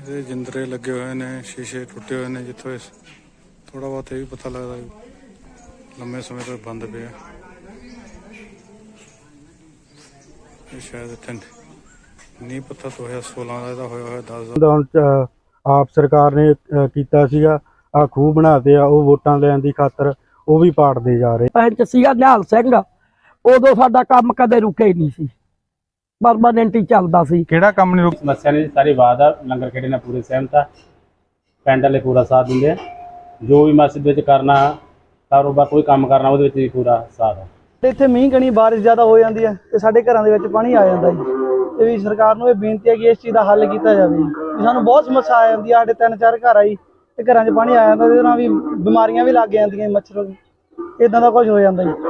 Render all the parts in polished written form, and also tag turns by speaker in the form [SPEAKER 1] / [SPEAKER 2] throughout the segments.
[SPEAKER 1] ਇਹ ਜਿੰਦਰੇ ਲੱਗੇ ਹੋਏ ਨੇ, ਸ਼ੀਸ਼ੇ ਟੁੱਟੇ ਹੋਏ ਨੇ, ਜਿੱਥੋਂ ਇਸ ਥੋੜਾ ਬਹੁਤ ਇਹ ਵੀ ਪਤਾ ਲੱਗਦਾ ਲੰਮੇ ਸਮੇਂ ਤੋਂ ਬੰਦ ਪਿਆ। ਇਹ ਸ਼ਾਇਦ ਇੱਥੇ ਨੀਂਹ ਪੱਥਰ 2016 ਦਾ ਇਹਦਾ ਹੋਇਆ 10 ਦਾ।
[SPEAKER 2] ਹੁਣ ਆਪ ਸਰਕਾਰ ਨੇ ਕੀਤਾ ਸੀਗਾ, ਆ ਖੂਹ ਬਣਾਤੇ ਆ, ਉਹ ਵੋਟਾਂ ਲੈਣ ਦੀ ਖਾਤਰ ਉਹ ਵੀ ਪਾੜਦੇ ਜਾ ਰਹੇ।
[SPEAKER 3] ਪੰਚ ਸੀਗਾ ਨਿਹਾਲ ਸਿੰਘ, ਉਦੋਂ ਸਾਡਾ ਕੰਮ ਕਦੇ ਰੁਕਿਆ ਹੀ ਨਹੀਂ ਸੀ, परमानेंट ही चलता सी।
[SPEAKER 2] ਕਿਹੜਾ ਕੰਮ ਨਹੀਂ ਰੁਕ
[SPEAKER 4] समस्या नहीं सारी बात है लंगर खेड़े ने पूरे सहमत है पिंड वाले पूरा साथ देंगे जो भी मस्जिद में करना कारोबार कोई काम करना वो पूरा साथ है।
[SPEAKER 5] ਇੱਥੇ ਮੀਂਹ ਕਣੀ ਬਾਰਿਸ਼ ਜ਼ਿਆਦਾ ਹੋ ਜਾਂਦੀ ਹੈ ਤੇ ਸਾਡੇ ਘਰਾਂ ਦੇ ਵਿੱਚ ਪਾਣੀ ਆ ਜਾਂਦਾ ਜੀ। ਤੇ ਵੀ ਸਰਕਾਰ ਨੂੰ ਇਹ ਬੇਨਤੀ ਹੈ ਕਿ ਇਸ ਚੀਜ਼ ਦਾ ਹੱਲ ਕੀਤਾ ਜਾਵੇ ਜੀ। ਸਾਨੂੰ ਬਹੁਤ ਸਮੱਸਿਆ ਆ ਜਾਂਦੀ ਹੈ, ਸਾਡੇ 3-4 ਘਰ ਆਈ ਤੇ ਘਰਾਂ 'ਚ ਪਾਣੀ ਆ ਜਾਂਦਾ, ਇਹਦੇ ਨਾਲ ਵੀ ਬਿਮਾਰੀਆਂ ਵੀ ਲੱਗ ਜਾਂਦੀਆਂ, ਮੱਛਰ ਇਦਾਂ ਦਾ ਕੁਝ ਹੋ ਜਾਂਦਾ ਜੀ।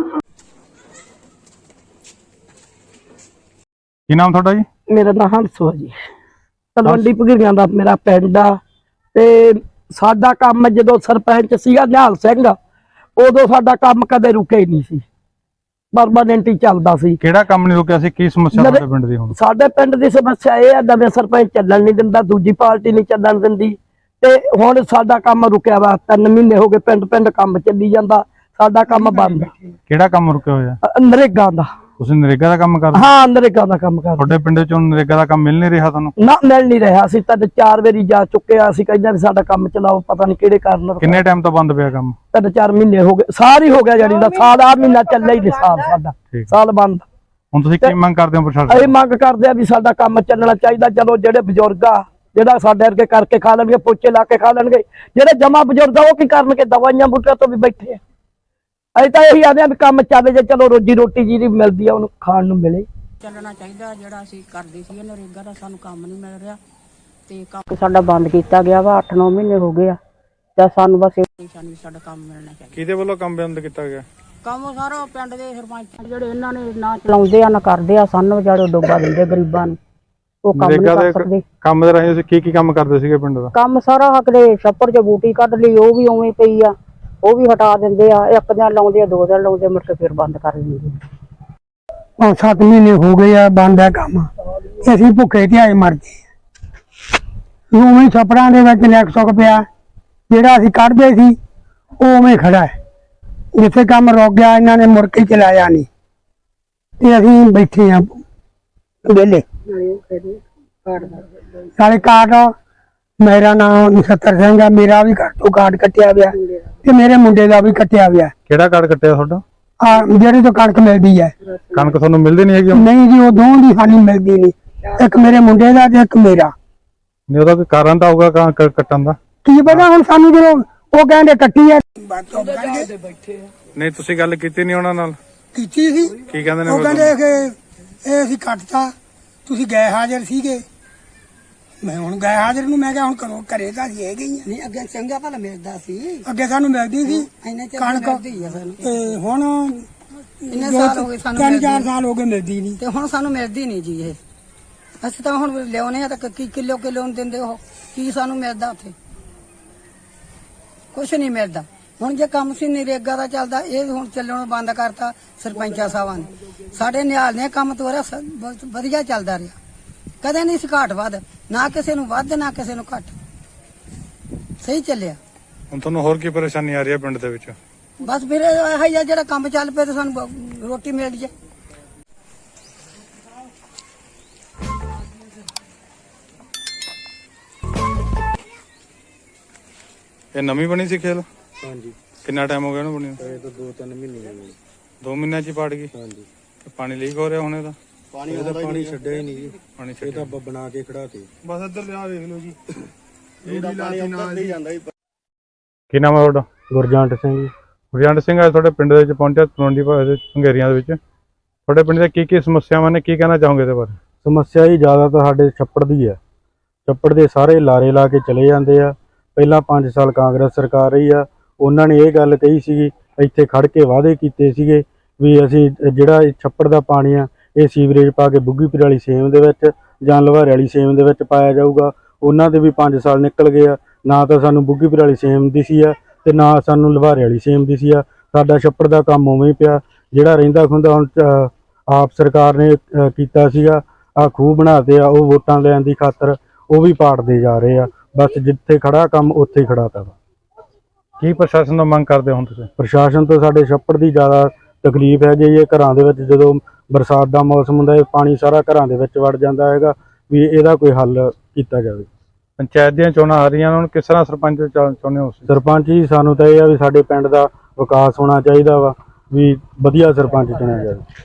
[SPEAKER 2] ਕੀ ਨਾਮ ਤੁਹਾਡਾ ਜੀ?
[SPEAKER 3] मेरा नाम हंसो है जी, तलवंडी भगीरियां दा मेरा पिंड आ। ते साडा काम जदों सरपंच सीगा निहाल सिंह, उदों साडा काम कदे रुके ही नहीं सी, परमानेंट ही चलदा सी।
[SPEAKER 2] ਕਿਹੜਾ ਕੰਮ ਨਹੀਂ ਰੁਕਿਆ ਸੀ? ਕੀ ਸਮੱਸਿਆ ਤੁਹਾਡੇ ਪਿੰਡ ਦੀ ਹੁਣ?
[SPEAKER 3] साडे पिंड दी समस्या ये है, नवें सरपंच चलन नहीं दिंदा, दूजी पार्टी नहीं चलन दिंदी ते हुण साडा काम रुकिया वा। 3 महीने हो गए पिंड पिंड काम चली जांदा, साडा काम बंद।
[SPEAKER 2] ਕਿਹੜਾ ਕੰਮ ਰੁਕਿਆ ਹੋਇਆ?
[SPEAKER 3] नरेगा दा।
[SPEAKER 2] ਤੁਸੀਂ ਨਰੇਗਾ ਦਾ ਕੰਮ ਕਰਦੇ?
[SPEAKER 3] हाँ नरेगा दा काम कर।
[SPEAKER 2] ਤੁਹਾਡੇ ਪਿੰਡ ਚੋਂ ਨਰੇਗਾ ਦਾ ਕੰਮ ਮਿਲ ਨਹੀਂ ਰਿਹਾ ਤੁਹਾਨੂੰ?
[SPEAKER 3] ना मिल नहीं रहा, ਅਸੀਂ ਤਾਂ 4 ਵਾਰੀ ਜਾ ਚੁੱਕੇ ਆ। ਅਸੀਂ ਕਹਿੰਦੇ ਵੀ ਸਾਡਾ ਕੰਮ ਚਲਾਓ, ਪਤਾ ਨਹੀਂ ਕਿਹੜੇ ਕਾਰਨ।
[SPEAKER 2] ਕਿੰਨੇ ਟਾਈਮ ਤੋਂ ਬੰਦ ਪਿਆ ਕੰਮ?
[SPEAKER 3] 3-4 ਮਹੀਨੇ ਹੋ ਗਏ, ਸਾਲ ਹੀ ਹੋ ਗਿਆ ਜਾਨੀ ਦਾ, ਸਾਲ ਆ ਮਹੀਨਾ ਚੱਲਿਆ ਹੀ ਨਹੀਂ, ਸਾਲ ਸਾਡਾ ਸਾਲ ਬੰਦ।
[SPEAKER 2] ਹੁਣ ਤੁਸੀਂ ਕੀ ਮੰਗ ਕਰਦੇ ਹੋ ਪ੍ਰਸ਼ਾਸਨ?
[SPEAKER 3] ਅਸੀਂ ਮੰਗ ਕਰਦੇ ਆ ਵੀ ਸਾਡਾ ਕੰਮ ਚੱਲਣਾ ਚਾਹੀਦਾ। ਚਲੋ ਜਿਹੜੇ ਬਜ਼ੁਰਗ ਆ, ਜਿਹੜਾ ਸਾਡੇ ਵਰਗੇ ਕਰਕੇ ਖਾ ਲੈਣਗੇ, ਪੋਚੇ ਲਾ ਕੇ ਖਾ ਲੈਣਗੇ, ਜਿਹੜੇ ਜਮਾ ਬਜ਼ੁਰਗ ਆ ਉਹ ਕੀ ਕਰਨਗੇ? ਦਵਾਈਆਂ ਬੂਟਿਆਂ ਤੋਂ ਵੀ ਬੈਠੇ ਆ। ਅਸੀਂ ਤਾਂ ਇਹੀ ਆਦੇ ਆ ਵੀ ਕੰਮ ਚੱਲ ਜੇ, ਚਲੋ ਰੋਜੀ ਰੋਟੀ ਜਿਹੜੀ ਮਿਲਦੀ ਆ ਉਹਨੂੰ ਖਾਣ ਨੂੰ ਮਿਲੇ।
[SPEAKER 6] ਚੱਲਣਾ ਚਾਹੀਦਾ। ਜਿਹੜਾ ਅਸੀਂ ਕਰਦੇ ਸੀ ਨਰੇਗਾ ਦਾ, ਸਾਨੂੰ ਕੰਮ ਨਹੀਂ ਮਿਲ ਰਿਹਾ ਤੇ ਕੰਮ ਸਾਡਾ ਬੰਦ ਕੀਤਾ ਗਿਆ ਵਾ। 8-9 ਮਹੀਨੇ ਹੋ ਗਏ ਆ ਤੇ ਸਾਨੂੰ ਬਸ ਸਾਨੂੰ ਸਾਡਾ ਕੰਮ ਮਿਲਣਾ ਚਾਹੀਦਾ।
[SPEAKER 1] ਕਿਹਦੇ ਵੱਲੋਂ ਕੰਮ ਬੰਦ ਕੀਤਾ ਗਿਆ?
[SPEAKER 6] ਕੰਮ ਸਾਰਾ ਪਿੰਡ ਦੇ ਸਰਪੰਚ ਜਿਹੜੇ ਇਹਨਾਂ ਨੇ ਨਾ ਚਲਾਉਂਦੇ ਆ ਨਾ ਕਰਦੇ ਆ, ਸਾਨੂੰ ਵਿਚਾਰੇ ਡੋਬਾ ਦਿੰਦੇ ਗਰੀਬਾਂ ਨੂੰ। ਉਹ ਕੰਮ ਨਹੀਂ ਕਰ ਸਕਦੇ।
[SPEAKER 2] ਕੰਮ ਦੇ ਰਾਹੀਂ ਤੁਸੀਂ ਕੀ ਕੰਮ ਕਰਦੇ ਸੀਗੇ ਪਿੰਡ ਦਾ?
[SPEAKER 6] ਕੰਮ ਸਾਰਾ ਹੱਕਦੇ ਛੱਪੜ 'ਚ ਬੂਟੀ ਕੱਢ ਲਈ, ਉਹ ਵੀ ਉਵੇਂ ਪਈ ਆ, ਉਹ ਵੀ ਹਟਾ ਦਿੰਦੇ ਆ। 1 ਦਿਨ ਲਾਉਂਦੇ ਆ, 2 ਦਿਨ ਲਾਉਂਦੇ, ਮੁੜ ਕੇ ਫਿਰ ਬੰਦ ਕਰ ਦਿੰਦੇ।
[SPEAKER 5] 5-7 ਮਹੀਨੇ ਹੋ ਗਏ ਆ ਬੰਦ ਹੈ ਕੰਮ। ਅਸੀਂ ਭੁੱਖੇ ਧਿਆਏ ਮਰ ਗਏ। ਉਵੇਂ ਛੱਪੜਾਂ ਦੇ ਵਿੱਚ ਲੱਖ ਸੁੱਕ ਪਿਆ, ਜਿਹੜਾ ਅਸੀਂ ਕੱਢਦੇ ਸੀ ਉਹ ਉਵੇਂ ਖੜਾ ਹੈ। ਜਿੱਥੇ ਕੰਮ ਰੁਕ ਗਿਆ ਇਹਨਾਂ ਨੇ ਮੁੜ ਕੇ ਚਲਾਇਆ ਨਹੀਂ ਤੇ ਅਸੀਂ ਬੈਠੇ ਆ ਵਿਹਲੇ। ਨਾਲੇ ਕਾਰਡ, ਮੇਰਾ ਨਾਮ ਨਛੱਤਰ ਸਿੰਘ ਆ, ਮੇਰਾ ਵੀ ਘਰ ਤੋਂ ਕਾਰਡ ਕੱਟਿਆ ਗਿਆ ਤੇ ਮੇਰੇ ਮੁੰਡੇ ਦਾ ਵੀ ਕੱਟਿਆ ਗਿਆ।
[SPEAKER 2] ਕਿਹੜਾ ਕਾਰਡ ਕੱਟਿਆ ਤੁਹਾਡਾ?
[SPEAKER 5] ਜਿਹੜੇ ਤੋਂ ਕਣਕ ਮਿਲਦੀ ਹੈ।
[SPEAKER 2] ਕਣਕ ਤੁਹਾਨੂੰ ਮਿਲਦੀ ਨਹੀਂ ਹੈਗੀ?
[SPEAKER 5] ਨਹੀਂ ਜੀ, ਉਹ ਦੋਵਾਂ ਦੀ ਸਾਨੂੰ ਮਿਲਦੀ ਨਹੀਂ, ਇੱਕ ਮੇਰੇ ਮੁੰਡੇ ਦਾ ਤੇ ਇੱਕ ਮੇਰਾ।
[SPEAKER 2] ਨਹੀਂ, ਉਹਦਾ ਕੋਈ ਕਾਰਨ ਤਾਂ ਹੋਊਗਾ ਕਣਕ ਕੱਟਣ ਦਾ।
[SPEAKER 5] ਕੀ ਪਤਾ ਹੁਣ ਸਾਨੂੰ, ਜਦੋਂ ਉਹ ਕਹਿੰਦੇ ਕੱਟੀ ਹੈ।
[SPEAKER 1] ਨਹੀਂ, ਤੁਸੀਂ ਗੱਲ ਕੀਤੀ ਨਹੀਂ ਉਹਨਾਂ ਨਾਲ?
[SPEAKER 5] ਕੀਤੀ ਸੀ।
[SPEAKER 1] ਕੀ ਕਹਿੰਦੇ ਨੇ?
[SPEAKER 5] ਉਹ ਕਹਿੰਦੇ ਕਿ ਇਹ ਅਸੀਂ ਕੱਟਤਾ, ਤੁਸੀਂ ਗਏ ਹਾਜ਼ਰ ਸੀਗੇ। ਮੈਂ ਹੁਣ ਗਏ ਹਾਜ਼ਰ ਨੂੰ ਮੈਂ ਕਿਹਾ ਹੁਣ ਕਰੋ, ਘਰੇ ਤਾਂ ਅਸੀਂ ਹੈਗੇ ਹੀ ਆ।
[SPEAKER 6] ਨਹੀਂ ਅੱਗੇ ਚੰਗਾ ਭਲਾ ਮਿਲਦਾ ਸੀ,
[SPEAKER 5] ਅੱਗੇ ਸਾਨੂੰ ਮਿਲਦੀ ਸੀ ਕਣਕ, ਤੇ ਹੁਣ
[SPEAKER 6] ਇੰਨੇ ਸਾਲ ਹੋ ਗਏ ਸਾਨੂੰ
[SPEAKER 5] 3-4 ਸਾਲ ਹੋ ਗਏ ਮਿਲਦੀ ਨਹੀਂ।
[SPEAKER 6] ਤੇ ਹੁਣ ਸਾਨੂੰ ਮਿਲਦੀ ਨਹੀਂ ਜੀ ਇਹ। ਅਸੀਂ ਤਾਂ ਹੁਣ ਲਿਆਉਨੇ ਆ ਤਾਂ ਕੀ ਕਿਲੋ ਨੂੰ ਦਿੰਦੇ ਉਹ, ਕੀ ਸਾਨੂੰ ਮਿਲਦਾ ਉੱਥੇ? ਕੁਛ ਨਹੀਂ ਮਿਲਦਾ। ਹੁਣ ਜੇ ਕੰਮ ਸੀ ਨਰੇਗਾ ਦਾ ਚੱਲਦਾ, ਇਹ ਹੁਣ ਚੱਲਣੋਂ ਬੰਦ ਕਰਤਾ ਸਰਪੰਚਾ ਸਾਹਿਬਾਂ ਨੇ। ਸਾਡੇ ਨਿਹਾਲ ਨੇ ਕੰਮ ਤੋਰਿਆ, ਬਹੁਤ ਵਧੀਆ ਚੱਲਦਾ ਰਿਹਾ, ਕਦੇ ਨਹੀਂ ਸੀ ਘਾਟ ਵੱਧ, ਨਾ ਕਿਸੇ ਨੂੰ ਵੱਧ ਨਾ ਕਿਸੇ ਨੂੰ ਘੱਟ, ਸਹੀ ਚੱਲਿਆ।
[SPEAKER 1] ਹੁਣ ਤੁਹਾਨੂੰ ਹੋਰ ਕੀ ਪਰੇਸ਼ਾਨੀ ਆ ਰਹੀ ਹੈ ਪਿੰਡ ਦੇ ਵਿੱਚ?
[SPEAKER 6] ਬਸ ਫਿਰ ਇਹੋ ਹੀ ਆ, ਜਿਹੜਾ ਕੰਮ ਚੱਲ ਪਿਆ ਤੇ ਸਾਨੂੰ ਰੋਟੀ ਮਿਲ ਜੇ।
[SPEAKER 1] ਇਹ ਨਵੀਂ ਬਣੀ ਸੀ ਖੇਲ?
[SPEAKER 2] ਹਾਂਜੀ।
[SPEAKER 1] ਕਿੰਨਾ ਟਾਈਮ ਹੋ ਗਿਆ ਇਹਨੂੰ ਬਣੀ?
[SPEAKER 2] ਇਹ ਤਾਂ 2-3 ਮਹੀਨੇ ਹੋ ਗਏ।
[SPEAKER 1] 2 ਮਹੀਨਿਆਂ 'ਚ ਹੀ ਪਾੜ ਗਈ?
[SPEAKER 2] ਹਾਂਜੀ।
[SPEAKER 1] ਪਾਣੀ ਲੀਕ ਹੋ ਰਿਹਾ ਹੁਣ ਇਹਦਾ?
[SPEAKER 2] ਪਾਣੀ ਛੱਡਿਆ ਹੀ ਨਹੀਂ ਜੀ,
[SPEAKER 1] ਪਾਣੀ
[SPEAKER 2] ਇਹ ਤਾਂ ਬਣਾ ਕੇ ਖੜਾ ਤੇ
[SPEAKER 1] ਬਸ ਇੱਧਰ ਲਿਆ ਵੇਖ ਲਓ ਜੀ।
[SPEAKER 2] ਇਹਦਾ ਪਾਣੀ ਅੰਦਰ ਹੀ ਜਾਂਦਾ ਹੀ।
[SPEAKER 1] ਕੀ ਨਾਮ ਹੈ ਤੁਹਾਡਾ?
[SPEAKER 2] ਗੁਰਜੰਟ ਸਿੰਘ ਜੀ।
[SPEAKER 1] ਗੁਰਜੰਟ ਸਿੰਘ ਅੱਜ ਤੁਹਾਡੇ ਪਿੰਡ ਦੇ ਵਿੱਚ ਪਹੁੰਚਿਆ, ਤਲਵੰਡੀ ਭੰਗੇਰੀਆਂ ਦੇ ਵਿੱਚ। ਤੁਹਾਡੇ ਪਿੰਡ ਦੀਆਂ ਕੀ ਸਮੱਸਿਆਵਾਂ ਨੇ, ਕੀ ਕਹਿਣਾ ਚਾਹੋਗੇ ਇਹਦੇ ਬਾਰੇ?
[SPEAKER 2] ਸਮੱਸਿਆ ਹੀ ਜ਼ਿਆਦਾ ਤਾਂ ਸਾਡੇ ਛੱਪੜ ਦੀ ਹੈ। ਛੱਪੜ ਦੇ ਸਾਰੇ ਲਾਰੇ ਲਾ ਕੇ ਚਲੇ ਜਾਂਦੇ ਆ। ਪਹਿਲਾਂ 5 ਸਾਲ ਕਾਂਗਰਸ ਸਰਕਾਰ ਰਹੀ ਆ, ਉਹਨਾਂ ਨੇ ਇਹ ਗੱਲ ਕਹੀ ਸੀਗੀ, ਇੱਥੇ ਖੜ ਕੇ ਵਾਅਦੇ ਕੀਤੇ ਸੀਗੇ ਵੀ ਅਸੀਂ ਜਿਹੜਾ ਛੱਪੜ ਦਾ ਪਾਣੀ ਆ ਇਹ ਸੀਵਰੇਜ ਪਾ ਕੇ ਬੁੱਗੀਪੁਰ ਵਾਲੀ ਸੇਮ ਦੇ ਵਿੱਚ ਜਾਂ ਲਵਾਰੇ ਵਾਲੀ ਸੇਮ ਦੇ ਵਿੱਚ ਪਾਇਆ ਜਾਊਗਾ। ਉਹਨਾਂ ਦੇ ਵੀ 5 ਸਾਲ ਨਿਕਲ ਗਏ ਆ, ਨਾ ਤਾਂ ਸਾਨੂੰ ਬੁੱਗੀਪੁਰ ਵਾਲੀ ਸੇਮ ਦੀ ਸੀ ਆ ਤੇ ਨਾ ਸਾਨੂੰ ਲਵਾਰੇ ਵਾਲੀ ਸੇਮ ਦੀ ਸੀ ਆ। ਸਾਡਾ ਛੱਪੜ ਦਾ ਕੰਮ ਉਵੇਂ ਹੀ ਪਿਆ, ਜਿਹੜਾ ਰਹਿੰਦਾ ਖੁੰਦਾ। ਹੁਣ ਆਪ ਸਰਕਾਰ ਨੇ ਕੀਤਾ ਸੀਗਾ, ਆ ਖੂਹ ਬਣਾਤੇ ਆ, ਉਹ ਵੋਟਾਂ ਲੈਣ ਦੀ ਖਾਤਰ ਉਹ ਵੀ ਪਾੜਦੇ ਜਾ ਰਹੇ ਆ। ਬਸ ਜਿੱਥੇ ਖੜਾ ਕੰਮ ਉੱਥੇ ਹੀ ਖੜਾ ਤਾ ਵਾ।
[SPEAKER 1] ਕੀ ਪ੍ਰਸ਼ਾਸਨ ਤੋਂ ਮੰਗ ਕਰਦੇ ਹੋ ਹੁਣ ਤੁਸੀਂ?
[SPEAKER 2] ਪ੍ਰਸ਼ਾਸਨ ਤੋਂ ਸਾਡੇ ਛੱਪੜ ਦੀ ਜ਼ਿਆਦਾ ਤਕਲੀਫ ਹੈਗੀ ਹੈ। ਘਰਾਂ ਦੇ ਵਿੱਚ ਜਦੋਂ ਬਰਸਾਤ ਦਾ ਮੌਸਮ ਹੁੰਦਾ ਹੈ ਪਾਣੀ ਸਾਰਾ ਘਰਾਂ ਦੇ ਵਿੱਚ ਵੜ ਜਾਂਦਾ ਹੈਗਾ, ਵੀ ਇਹਦਾ ਕੋਈ ਹੱਲ ਕੀਤਾ ਜਾਵੇ।
[SPEAKER 1] ਪੰਚਾਇਤ ਦੀਆਂ ਚੋਣਾਂ ਆ ਰਹੀਆਂ, ਹੁਣ ਕਿਸ ਤਰ੍ਹਾਂ ਸਰਪੰਚ ਚਾਹੁੰਦੇ ਹੋ?
[SPEAKER 2] ਸਰਪੰਚ ਜੀ ਸਾਨੂੰ ਤਾਂ ਇਹ ਆ ਵੀ ਸਾਡੇ ਪਿੰਡ ਦਾ ਵਿਕਾਸ ਹੋਣਾ ਚਾਹੀਦਾ ਵਾ, ਵੀ ਵਧੀਆ ਸਰਪੰਚ ਚੁਣਿਆ ਜਾਵੇ।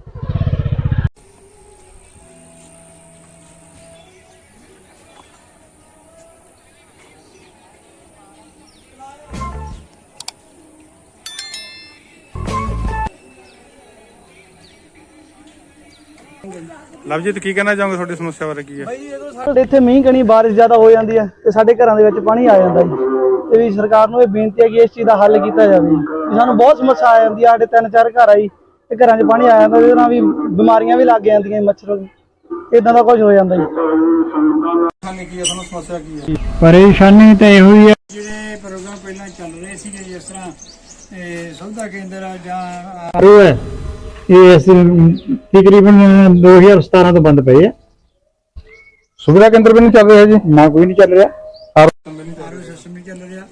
[SPEAKER 1] ਲਵਜੀਤ ਕੀ ਕਹਿਣਾ ਚਾਹੋਗੇ, ਤੁਹਾਡੀ ਸਮੱਸਿਆ ਬਾਰੇ ਕੀ ਹੈ?
[SPEAKER 7] ਸਾਡੇ ਇੱਥੇ ਮੀਂਹ ਕਣੀ ਬਾਰਿਸ਼ ਜ਼ਿਆਦਾ ਹੋ ਜਾਂਦੀ ਹੈ ਤੇ ਸਾਡੇ ਘਰਾਂ ਦੇ ਵਿੱਚ ਪਾਣੀ ਆ ਜਾਂਦਾ ਜੀ। ਤੇ ਵੀ ਸਰਕਾਰ ਨੂੰ ਇਹ ਬੇਨਤੀ ਹੈ ਕਿ ਇਸ ਚੀਜ਼ ਦਾ ਹੱਲ ਕੀਤਾ ਜਾਵੇ ਜੀ। ਸਾਨੂੰ ਬਹੁਤ ਸਮੱਸਿਆ ਆ ਜਾਂਦੀ ਹੈ, ਸਾਡੇ 3-4 ਘਰ ਆ ਜੀ ਤੇ ਘਰਾਂ 'ਚ ਪਾਣੀ ਆ ਜਾਂਦਾ, ਉਹਦੇ ਨਾਲ ਵੀ ਬਿਮਾਰੀਆਂ ਵੀ ਲੱਗ ਜਾਂਦੀਆਂ, ਮੱਛਰ ਇਦਾਂ ਦਾ ਕੁਝ ਹੋ ਜਾਂਦਾ ਜੀ।
[SPEAKER 1] ਕੀ ਹੈ ਤੁਹਾਨੂੰ ਸਮੱਸਿਆ ਕੀ ਹੈ?
[SPEAKER 5] ਪਰੇਸ਼ਾਨੀ ਤਾਂ ਇਹੋ ਹੀ ਹੈ।
[SPEAKER 8] ਜਿਹੜੇ ਪ੍ਰੋਗਰਾਮ ਪਹਿਲਾਂ ਚੱਲ ਰਹੇ ਸੀਗੇ ਜਿਸ ਤਰ੍ਹਾਂ ਸੁਵਿਧਾ ਕੇਂਦਰ ਆ ਜਾਂ
[SPEAKER 5] ਇਹ ਤਕਰੀਬਨ 2017 ਤੋਂ ਬੰਦ ਪਏ ਆ।
[SPEAKER 1] ਸੁਵਿਧਾ ਕੇਂਦਰ ਵੀ ਨਹੀਂ ਚੱਲ ਰਿਹਾ ਜੀ?
[SPEAKER 5] ਨਾ ਕੋਈ ਨਹੀਂ ਚੱਲ ਰਿਹਾ।
[SPEAKER 8] ਆਰਓ ਸਿਸਟਮ ਨਹੀਂ ਚੱਲ ਰਿਹਾ,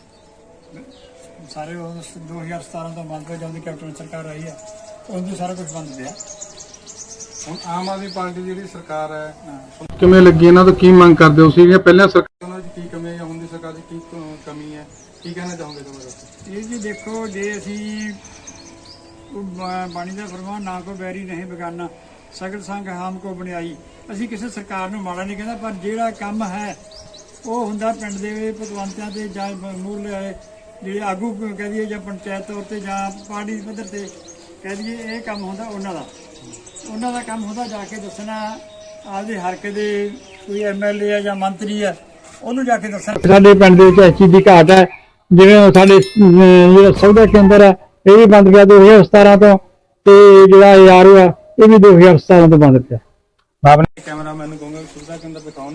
[SPEAKER 8] ਸਾਰੇ 2017 ਤੋਂ ਬੰਦ ਹੋ ਜਾਂਦੀ। ਕੈਪਟਨ ਸਰਕਾਰ ਆਈ ਹੈ, ਉਹਦੇ ਸਾਰਾ ਕੁਝ ਬੰਦ ਪਿਆ।
[SPEAKER 1] ਹੁਣ ਆਮ ਆਦਮੀ ਪਾਰਟੀ ਜਿਹੜੀ ਸਰਕਾਰ ਹੈ ਕਿਵੇਂ ਲੱਗੀ, ਇਹਨਾਂ ਤੋਂ ਕੀ ਮੰਗ ਕਰਦੇ ਹੋ? ਸੀ ਪਹਿਲਾਂ ਸਰਕਾਰ ਦੀ ਕੀ ਕਮੀ ਹੈ ਜਾਂ ਹੁਣ ਦੀ ਸਰਕਾਰ ਦੀ ਕੀ ਕਮੀ ਹੈ, ਕੀ ਕਹਿਣਾ ਚਾਹੋਗੇ ਤੁਹਾਡੇ?
[SPEAKER 8] ਇਹ ਜੀ ਦੇਖੋ, ਜੇ ਅਸੀਂ ਬਾਣੀ ਦਾ ਫਰਮਾਨ ਨਾ ਕੋ ਬੈਰੀ ਨਹੀਂ ਬਗਾਨਾ ਸਗਲ ਸੰਗ ਹਾਮ ਕੋ ਬਣਾਈ। ਅਸੀਂ ਕਿਸੇ ਸਰਕਾਰ ਨੂੰ ਮਾੜਾ ਨਹੀਂ ਕਹਿੰਦਾ, ਪਰ ਜਿਹੜਾ ਕੰਮ ਹੈ ਉਹ ਹੁੰਦਾ ਪਿੰਡ ਦੇ ਪਤਵੰਤਿਆਂ ਤੇ ਜਾਂ ਮੂਹਰਲੇ ਜਿਹੜੇ ਆਗੂ ਕਹਿ ਦਈਏ ਜਾਂ ਪੰਚਾਇਤ ਤੌਰ ਤੇ ਜਾਂ ਪਾਰਟੀ ਪੱਧਰ ਤੇ ਕਹਿ ਦਈਏ, ਇਹ ਕੰਮ ਹੁੰਦਾ ਉਹਨਾਂ ਦਾ ਕੰਮ ਹੁੰਦਾ ਜਾ ਕੇ ਦੱਸਣਾ ਆਪਦੇ ਹਲਕੇ ਦੇ ਕੋਈ ਐਮਐਲਏ ਆ ਜਾਂ ਮੰਤਰੀ ਆ, ਉਹਨੂੰ ਜਾ ਕੇ ਦੱਸਣਾ।
[SPEAKER 5] ਸਾਡੇ ਪਿੰਡ ਦੇ ਵਿੱਚ ਇਸ ਚੀਜ਼ ਦੀ ਘਾਟ ਹੈ। ਜਿਵੇਂ ਸਾਡੇ ਜਿਹੜਾ ਸੁਵਿਧਾ ਕੇਂਦਰ ਹੈ ਇਹ ਵੀ ਬੰਦ ਪਿਆ 2017 ਤੋਂ, ਤੇ ਜਿਹੜਾ ਆਰਓ ਆ ਇਹ ਵੀ 2017 ਤੋਂ ਬੰਦ ਪਿਆ।
[SPEAKER 1] ਕੈਮਰਾਮੈਨ ਨੂੰ ਕਹੂੰਗਾ ਸੁਵਿਧਾ ਕੇਂਦਰ ਦਿਖਾਉਣ।